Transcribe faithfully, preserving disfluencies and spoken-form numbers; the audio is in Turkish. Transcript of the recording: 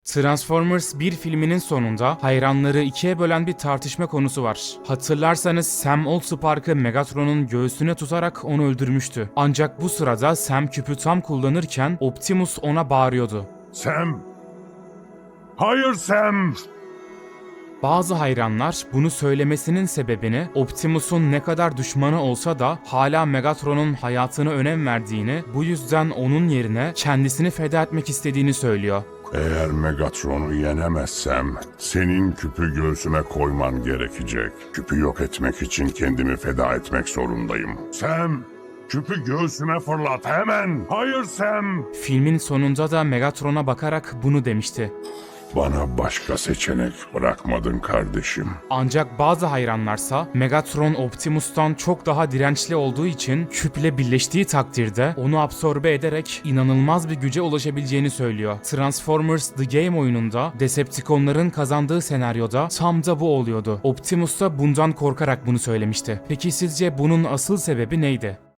Transformers bir filminin sonunda hayranları ikiye bölen bir tartışma konusu var. Hatırlarsanız Sam Allspark'ı Megatron'un göğsüne tutarak onu öldürmüştü. Ancak bu sırada Sam küpü tam kullanırken Optimus ona bağırıyordu. Sam! Hayır Sam! Bazı hayranlar bunu söylemesinin sebebini Optimus'un ne kadar düşmanı olsa da hala Megatron'un hayatına önem verdiğini, bu yüzden onun yerine kendisini feda etmek istediğini söylüyor. Eğer Megatron'u yenemezsem senin küpü göğsüme koyman gerekecek. Küpü yok etmek için kendimi feda etmek zorundayım. Sam! Küpü göğsüme fırlat hemen! Hayır Sam! Filmin sonunda da Megatron'a bakarak bunu demişti. Bana başka seçenek bırakmadın kardeşim. Ancak bazı hayranlarsa Megatron Optimus'tan çok daha dirençli olduğu için küple birleştiği takdirde onu absorbe ederek inanılmaz bir güce ulaşabileceğini söylüyor. Transformers The Game oyununda Decepticonların kazandığı senaryoda tam da bu oluyordu. Optimus da bundan korkarak bunu söylemişti. Peki sizce bunun asıl sebebi neydi?